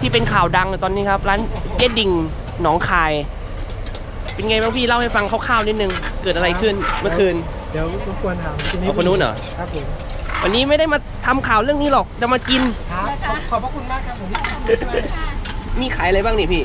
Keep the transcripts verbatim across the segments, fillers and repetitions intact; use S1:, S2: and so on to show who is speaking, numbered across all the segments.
S1: ที่เป็นข่าวดังตอนนี้ครับร้านเจ๊ดิ่งหนองคายเป็นไงบ้างพี่เล่าให้ฟังคร่าวๆนิดนึงเกิดอะไรขึ้นเมื่อคืน
S2: เดี๋ยวรบกวนถามทีนี้
S1: คนนู้นเหรอ
S2: ครับผม
S1: วันนี้ไม่ได้มาทำข่าวเรื่องนี้หรอกจะมากิน
S2: ครับขอบพระคุณมากครับผม
S1: มีขายอะไรบ้างนี่พี่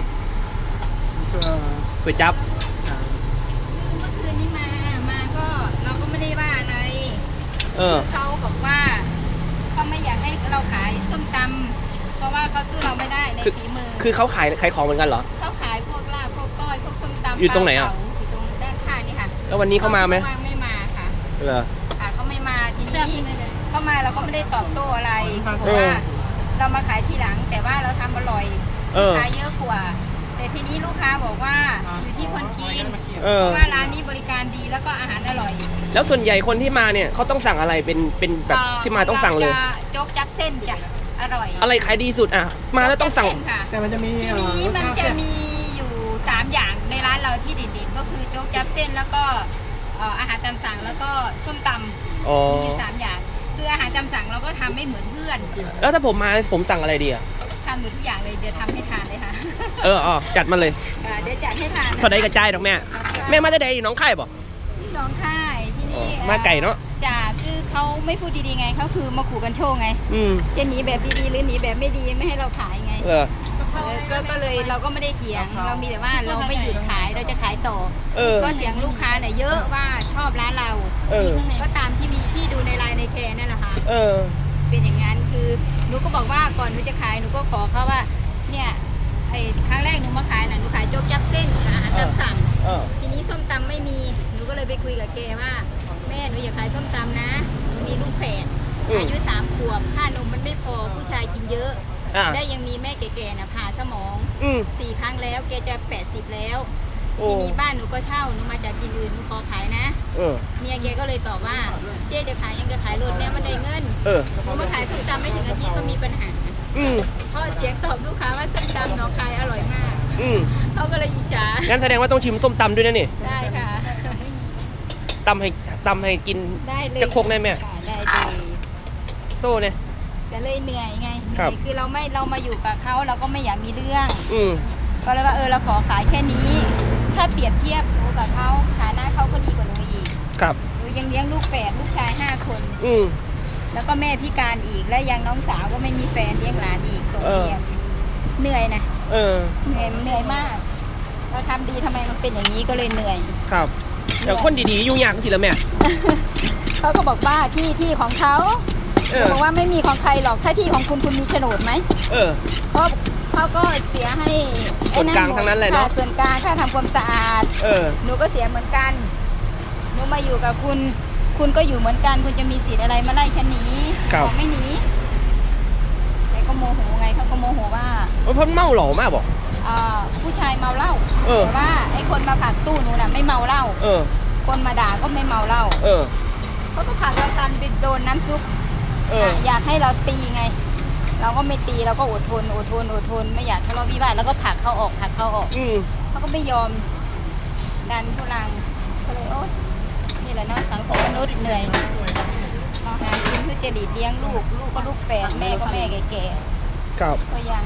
S1: ก๋วยจั๊บ
S3: เมื่อคืนนี้มา มาก็เราก็ไม่ได้ว่าอะไร
S1: เออ
S3: เขาบอกว่าเขาไม่อยากให้เราขายส้มตำเพราะว่าเขาสู้เราไม่ได้ในฝีมือ
S1: คือเขาขายขายของเหมือนกันเหรอ
S3: เขาขายพวกลาบพวกก้อยพวกส้มตำ
S1: อยู่ตรงไหนอ่ะ
S3: อยู่ตรงด้านข้างนี่ค่ะ
S1: แล้ววันนี้เขามาไหม
S3: ไม่มาค่ะ
S1: เหรอ
S3: ค่ะเขาไม่มาทีนี้เขามาเราก็ไม่ได้ตอบโต้อะไรเพราะว่าเรามาขายทีหลังแต่ว่าเราทำอร่อยขายเยอะกว่าแต่ทีนี้ลูกค้าบอกว่าอยู่ที่คนกินเพราะว่าร้านนี้บริการดีแล้วก็อาหารอร่อย
S1: แล้วส่วนใหญ่คนที่มาเนี่ยเขาต้องสั่งอะไรเป็นเป็นแบบที่มาต้องสั่งเลย
S3: โจ๊กจับเส้นจ้ะอร่อย
S1: อะไรขายดีสุดอ่ะมาแล้วต้องสั่ง
S2: แต่มันจะมี
S3: ทีนี้มันจะมีอยู่สามอย่างในร้านเราที่เด่นๆก็คือโจ๊กจับเส้นแล้วก็อาหารตามสั่งแล้วก็ส้มตำมีอยู่สามอย่างคืออาหารตามสั่งเราก็ทำไม่เหมือนเพื่อน
S1: แล้วถ้าผมมาผมสั่งอะไรดีอ่ะ
S3: ทานหมดทุกอย่างเลยเดี๋ยวทำให้ทานเลยค่ะ
S1: เอออ๋อจัดมาเลย
S3: เดี๋ยวจัดให้ทาน
S1: เท่าใดกระจายดอกแม่แม่มาจะได้น้องไข่ป่ะ
S3: ที่น้องไข่ที่นี่
S1: มาไก่เนาะ
S3: จ่าคือเขาไม่พูดดีๆไงเขาคือมาขู่กันโชว์ไงจะหนีแบบดีๆหรือหนีแบบไม่ดีไม่ให้เราขายไง
S1: เออ
S3: ก็เลยเราก็ไม่ได้เถียงเรามีแต่ว่าเราไม่หยุดขายเราจะขายต่อก็เสียงลูกค้าเนี่ยเยอะว่าชอบร้านเราก็ตามที่มีที่ดูในไลน์ในแชร์นั่นแหละค่ะเป็นอย่างนั้นคือหนูก็บอกว่าก่อนหนูจะขายหนูก็ขอเขาว่าเนี่ยไอ้ครั้งแรกหนูมาขายนะหนูขายโจ๊กจับเส้นอาหารตามสั่งทีนี้ส้มตำไม่มีหนูก็เลยไปคุยกับแกว่าแม่หนูอยากขายส้มตำนะมีลูกแฝดอายุสามขวบค่านมมันไม่พอผู้ชายกินเยอะได้ยังมีแม่แก่ๆนะผ่าสมองสี่ครั้งแล้วแกจะแปดสิบแล้วทีนี้บ้านหนูก็เช่าหนูมาจากที่อื่นหนูขอขายนะเมียแกก็เลยตอบว่าเจ๊จะขายยังจะขายรถเนี่ยมันได้เงินหนูมาขายส้มตำไม่ถึงอาทิตย์ก็มีปัญหาเพราะเสียงตอบลูกค้าว่าส้มตำหนองคายอร่อยมากเขาก็เลยอิจฉา
S1: งั้นแสดงว่าต้องชิมส้มตำด้วยนะนี่
S3: ได้ค่ะ
S1: ตำให้ตำให้กินจะโคกได้ไหม
S3: ได้เลย
S1: โซ่เนี่ย
S3: จะเลยเหนื่อยไงคือเราไม่เรามาอยู่กับเขาเราก็ไม่อยากมีเรื่องก็เลยว่าเออเราขอขายแค่นี้ถ้าเปรียบเทียบหนูกับเขาฐานะเขาก็ดีกว่าหนูอีก
S1: ครับ
S3: หนูยังเลี้ยงลูกแฝดลูกชายห้าคนแล้วก็แม่พิการอีกและยังน้องสาวก็ไม่มีแฟนเลี้ยงหลานอีกส่งเรียนเหนื่อยนะ
S1: เออ
S3: เหนื่อยเหนื่อยมากเราทำดีทำไมมันเป็นอย่างนี้ก็เลยเหนื่อย
S1: ครับแต่คนดีๆยุ่งยากสิละแม่
S3: เขาก็บอกว่าที่ที่ของเขาบอกว่าไม่มีของใครหรอกถ้าที่ของคุณคุณมีโฉนดไหม
S1: เออ
S3: เพราะเขาก็เสียให้
S1: ส่วนกลางทั้งนั้นเลยเนาะ
S3: ส่วนกลางค่าทำความสะอาด
S1: เออ
S3: หนูก็เสียเหมือนกันหนูมาอยู่กับคุณคุณก็อยู่เหมือนกันคุณจะมีสิทธิ์อะไรมาไล่ฉันหนีบอกไม่หนีแต่ก็โมโหไงเขาก็โมโหว่า
S1: เพราะเมาหล่อมากบอก
S3: อ่าผู้ชายเมาเหล้าแต่ว่าไอ้คนมาผลักตู้หนูน่ะไม่เมาเหล้า
S1: เออ
S3: คนมาด่าก็ไม่เมาเหล้า
S1: เออ
S3: เขาก็ผลักเรากันไปโดนน้ำซุป
S1: เออ
S3: อยากให้เราตีไงเราก็ไม่ตีเราก็อดทนอดทนอดทนไม่อยากทะเลาะวิวาทแล้วก็ผลักเขาออกผลักเขาออกเขาก็ไม่ยอมดันทุลังก็เลยโอ๊ยนี่แหละเนาะสังคมมนุษย์เหนื่อยมาหากินเพื่อจะหลีดเลี้ยงลูกลูกก็ลูกแฝดแม่ก็แม่แก่
S1: ๆครับ
S3: ก็ยัง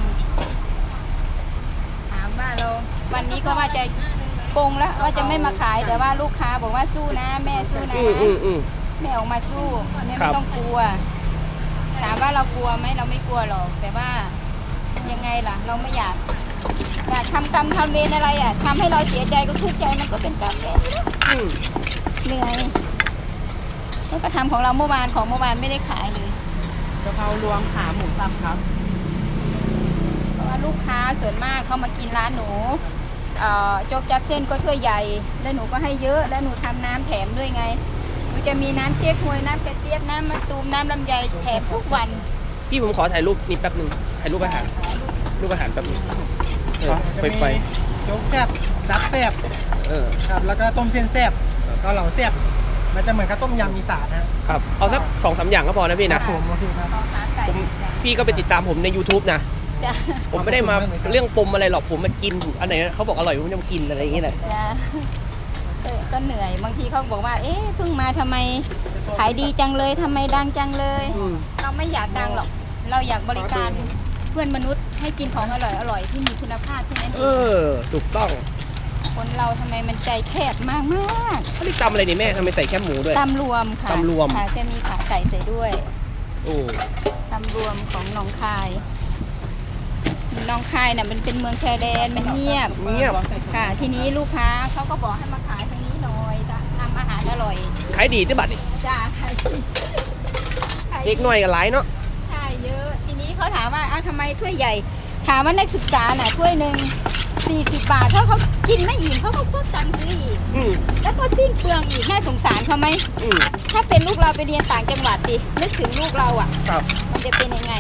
S3: ถามว่าเราวันนี้ก็ว่าจะปงแล้วว่าจะไม่มาขายแต่ว่าลูกค้าบอกว่าสู้นะแม่สู้นะแม่ออกมาสู้แม่ไม่ต้องกลัวถามว่าเรากลัวไหมเราไม่กลัวหรอกแต่ว่ายังไงล่ะเราไม่อยากอยากทำกรรมทำเวรอะไรอ่ะทำให้เราเสียใจก็ทุกข์ใจมันก็เป็นกรรมเวรเหนื่อยแล้วก็ทำของเราเมื่อวานของเมื่อวานไม่ได้ขายเลย
S2: กะเพรารวมขาหมูสับครับ
S3: เพราะว่าลูกค้าส่วนมากเขามากินร้านหนูโจ๊กจับเส้นก็ถ้วยใหญ่แล้วหนูก็ให้เยอะแล้วหนูทำน้ำแถมด้วยไงมันจะมีน้ำเจ๊กฮวยน้ำกระเจี๊ยบน้ำมะตูมน้ำลำไยแถมทุกวัน
S1: พี่ผมขอถ่ายรูปนิดแป๊บหนึ่งถ่ายรูปอาหารรูปอาหารแป๊บนึงไฟไฟ
S2: โจ๊กแซ่บจับแซ่บ
S1: เออ
S2: ครับแล้วก็ต้มเส้นแซ่บก็เหลาแซ่บมันจะเหมือนกับต้มยำอีสาน
S1: นะครับเอาสักสองสามอย่างก็พอนะพี่นะ
S2: ผมโอเคครับ
S1: ผมพี่ก็ไปติดตามผมใน ยูทูบ นะผมไม่ได้มาเรื่องปมอะไรหรอกผมมากินอันไหนเขาบอกอร่อยผมจะมากินอะไรอย่างเงี้ยแหละ
S3: ก็เหนื่อยบางทีเขาบอกว่าเอ๊ะเพิ่งมาทำไมขายดีจังเลยทำไมดังจังเลยเราไม่อยากดังหรอกเราอยากบริการเพื่อนมนุษย์ให้กินของอร่อยอร่อยที่มีคุณภาพแค่นั้น
S1: เอ
S3: เอง
S1: อถูกต้อง
S3: คนเราทำไมมันใจแคบมากมาก
S1: อันนี้ตำอะไรนี่แม่ทำไมใส่แคบหมูด้วย
S3: ตำรวมค่ะ
S1: ตำรวม
S3: ค่ะจะมีขาไก่ใส่ด้วย
S1: โอ้
S3: ตำรวมของหนองคายหนองคายน่ะมันเป็นเมืองชายแดนมันเงียบ
S1: เงียบ
S3: ค่ะ ทีนี้ลูกค้าเขาก็บอกให้มาขายทางนี้หน่อยทำอาหารอร่อย
S1: ขายดีที่บัตรนี่
S3: จ้าขายดีขายดี
S1: เด็กหน่อยกับหลายเนาะ
S3: ใช่เยอะทีนี้เขาถามว่าอ้าวทำไมถ้วยใหญ่ ถามว่านักศึกษาน่ะถ้วยหนึ่งสี่สิบบาทถ้าเขากินไม่อิ่มเขาก็พวกตังค์ซื้ออีก
S1: อืม
S3: แล้วก็สิ้นเปลืองอีกน่าสงสารเขาไหม
S1: อืม
S3: ถ้าเป็นลูกเราไปเรียนต่างจังหวัดดินึกถึงลูกเราอ่ะ
S1: ครับ
S3: มันจะเป็นยังไง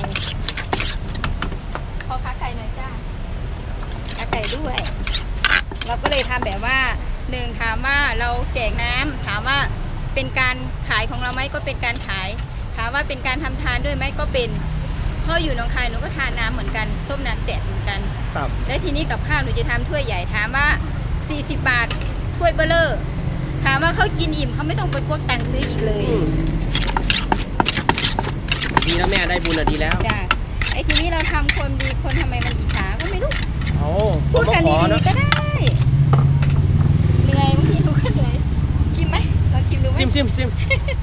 S3: ขอขาไก่หน่อยจ้าขาไก่ด้วย เราก็เลยทำแบบว่าหนึ่งถามว่าเราแจกน้ำถามว่าเป็นการขายของเราไหมก็เป็นการขาย ถามว่าเป็นการทำทานด้วยไหมก็เป็นเพราะอยู่หนองคายหนูก็ทานน้ำเหมือนกันต้มน้ำแจกเหมือนกัน
S1: ครับ
S3: และทีนี้กับข้าวหนูจะทำถ้วยใหญ่ถามว่าสี่สิบบาทถ้วยเบลเลอร์ถามว่าเขากินอิ่มเขาไม่ต้องไปพวกตังค์ซื้ออีกเลย
S1: อืมดีแล้วแม่ได้บุญอะดีแล้ว
S3: จ้ะไอ้ทีนี้เราทำคนดีคนทำไมมันอิจฉาก็ไม่รู้
S1: เอาผ
S3: พู
S1: ม
S3: ด
S1: มา
S3: กัน
S1: ขอ
S3: ดี
S1: นะ
S3: ๆก็ได้เหนื่อยบางทีหนูก็เหนื่อยชิมไหมลองชิมดูไหม
S1: ซิมซิมซิม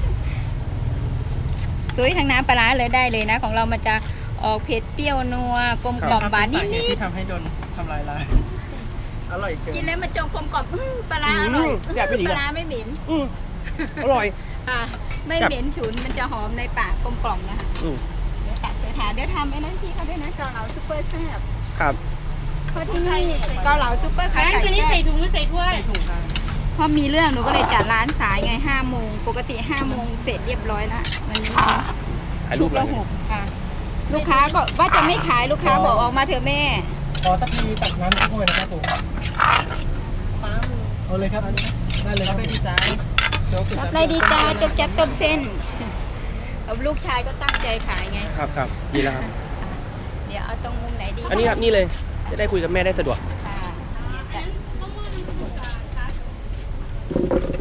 S3: สวยทางน้ำปลาร้าเลยได้เลยนะ ของเรามันจะออกเผ็ดเปรี้ยวนัวกลมกล่อมหวานนิด
S2: ที่ทำให้โดนทำลายล้างอร่อยเกิ
S3: ๆกิน
S2: น
S3: แล้วมันจงกลมกล่อมอื้อปลาร้าอร่อย
S1: แซ่บไปดี
S3: ป
S1: กั
S3: ลาน ร้าไม่เหม็น
S1: อืมอร่อย
S3: อ่ะไม่เหม็นฉุนมันจะหอมในปากกลมกล่อมนะคะ
S1: อืม
S3: เดี๋ยวตัดเดี๋ยวถาเดี๋ยวทำไอ้นั่นที่เขาด้วยนะเกาเหลาซุปเปอร์แซ่บ
S1: ครับ
S3: เพราะที่นี่เกาเหลาซุปเปอร์ขา
S4: ร้าน
S3: ไก่
S4: ตัวนี้
S3: แซ่
S4: ใส่
S3: บ
S4: ถุงหรือใส่ถ้วย
S2: ถูกทาง
S3: พอมีเรื่องหนูก็เลยจัดร้านสายไงห้าโมงปกติห้าโมงเสร็จเรียบร้อยละวันนี้
S1: ถ่ายรูป
S3: ละ
S1: แล้ว
S3: หกค่ะ ลูกค้าก็ว่าจะไม่ขายลูกค้าบอกออกมาเถอะแม่
S2: ขอตะพีตักน้ำถ้วยนะครับผมเอาเลยครับอันนี้ได้เลยครับดีจ้า
S3: รับไรดีจ้าจกจับต้มเส้นกับลูกชายก็ตั้งใจขายไง
S1: ครับครับดีแล้วครับ
S3: เดี๋ยวเอาตรงมุมไหนดี
S1: อันนี้ครับนี่เลย จะได้คุยกับแม่ได้สะดวก
S3: ค่ะเดี๋ยวจัด